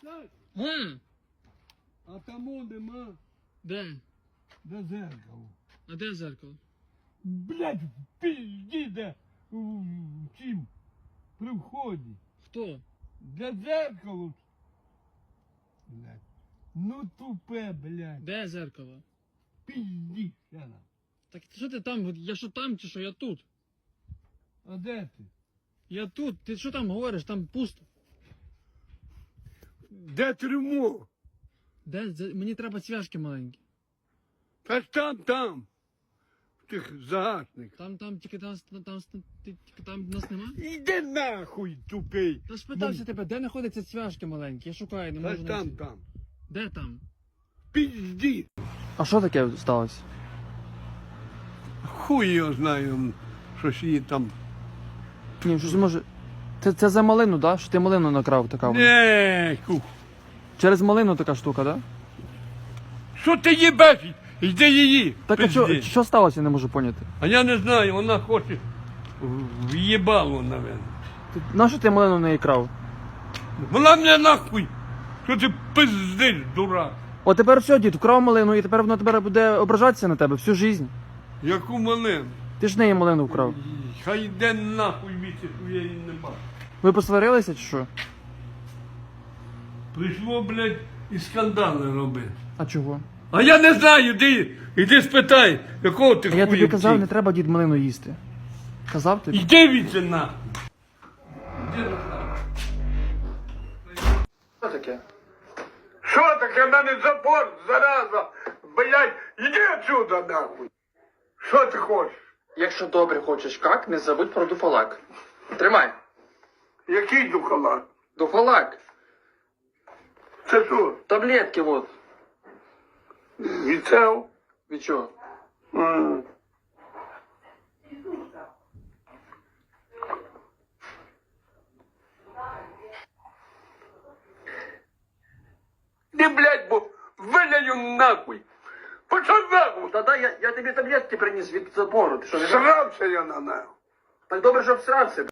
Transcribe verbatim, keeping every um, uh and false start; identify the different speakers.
Speaker 1: Так,
Speaker 2: А,
Speaker 1: а тому нема.
Speaker 2: де?
Speaker 1: Де зеркало?
Speaker 2: А де зеркало?
Speaker 1: Блядь, в пизді де в чим? При вході.
Speaker 2: Хто?
Speaker 1: Де зеркало? Блядь. Ну тупе, блядь.
Speaker 2: Де зеркало?
Speaker 1: Пизді ще нам.
Speaker 2: Так що ти там? Я що там чи що? Я тут.
Speaker 1: А де ти?
Speaker 2: Я тут. Ти що там говориш? Там пусто.
Speaker 1: Де трюмо?
Speaker 2: Де? Зе- Мені треба цвяшки маленькі.
Speaker 1: Та ж там, там. В тих загашниках.
Speaker 2: Там, там, тільки там, там, там, ти- тільки там нас нема?
Speaker 1: Іди нахуй, тупий.
Speaker 2: Та спитався тебе, де знаходяться цвяшки маленькі? Я шукаю, не
Speaker 1: Та
Speaker 2: можу
Speaker 1: ж там,
Speaker 2: знайти.
Speaker 1: там.
Speaker 2: Де там?
Speaker 1: Пизді.
Speaker 2: А що таке сталося?
Speaker 1: Хуй його знаю, щось її там.
Speaker 2: Ні, щось може. Це, це за малину, да? Що ти малину накрав така вона?
Speaker 1: Не, кух.
Speaker 2: Через малину така штука, да?
Speaker 1: Що ти їбеш? Йди її.
Speaker 2: Так а що,
Speaker 1: пизди.
Speaker 2: що сталося, я не можу поняти.
Speaker 1: А я не знаю, вона хоче в'їбало, навіть.
Speaker 2: Ти, нащо ти малину не крав?
Speaker 1: Вона мене нахуй. Що ти пиздиш, дурак?
Speaker 2: О, тепер все, дід, вкрав малину, і тепер воно тепер буде ображатися на тебе всю життя.
Speaker 1: Яку малину?
Speaker 2: Ти ж неї малину вкрав.
Speaker 1: Хай йде нахуй місяць, я її не бачу.
Speaker 2: Ви посварилися чи що?
Speaker 1: Прийшло, блядь, і скандали робити.
Speaker 2: А чого?
Speaker 1: А я не знаю, іди, іди спитай, якого ти
Speaker 2: А я тобі
Speaker 1: хуя
Speaker 2: казав, не
Speaker 1: втік.
Speaker 2: треба, дід, малину їсти. Казав тобі?
Speaker 1: Іди віце нахуй. Іди нахуй.
Speaker 2: Що таке?
Speaker 1: Що таке, в мене запор, зараза, блядь, іди отсюда нахуй. Що ти хочеш?
Speaker 2: Якщо добре хочеш как, не забудь про дуфалак. Тримай.
Speaker 1: Який духалат?
Speaker 2: Дуфалак.
Speaker 1: Це що?
Speaker 2: Таблетки вот.
Speaker 1: Віцев?
Speaker 2: Від чого?
Speaker 1: М. Ти, блядь, бо виляю нахуй. Пошов нахуй.
Speaker 2: Та дай, я, я тобі таблетки приніс від запору. Ти що, не
Speaker 1: Срався я на нахуй.
Speaker 2: Так добре, що всрався.